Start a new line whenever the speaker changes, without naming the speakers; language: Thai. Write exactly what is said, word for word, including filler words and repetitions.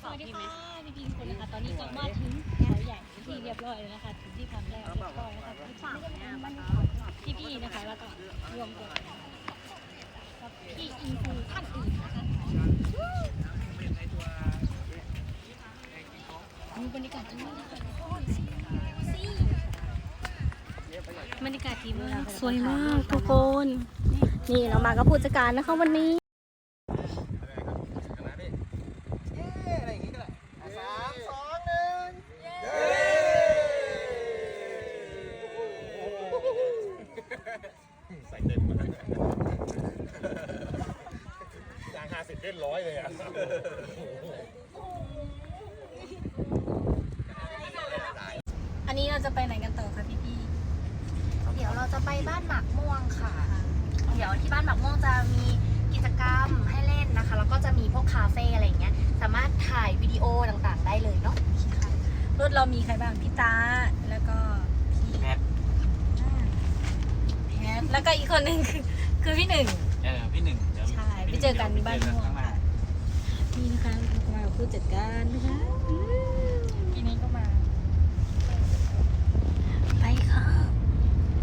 สวัสดีค่ะพี่พีทุกคนนะคะตอนนี้ก็มาถึงเขาใหญ่ที่เรียบร้อยแล้วนะคะถึงที่พักแล้วเรียบร้อยนะคะพี่พี่ๆนะคะแล้วก็รวมตัวกับพี่อินฟูท่านอื่นนะคะมีบรรยากาศที่นี่นะคะบรรยากาศดีมากสวยมากทุกคนนี่เรามากับผู้จัดการนะคะวันนี้
ใส่เต็มมาจางห้าสิบเล่นร้อยเลยอ่ะ
อันนี้เราจะไปไหนกันต่อคะพี่พี่
เดี๋ยวเราจะไปบ้านหมากม่วงค่ะ เดี๋ยวที่บ้านหมากม่วงจะมีกิจกรรมให้เล่นนะคะ แล้วก็จะมีพวกคาเฟ่อะไรอย่างเงี้ย สามารถถ่ายวิดีโอต่างๆได้เลยเนาะ
รถเรามีใครบ้างพี่ตาแล้วก็พี่แพทแพทแล้วก็อีกคนหนึ่งคือคือพี่หนึ่ง
เออพี่หนึ่งเดี๋ยว
ใช่ไปเจอกันบ้านม่วงค่ะนี่นะคะมาผู้จัดการนะคะ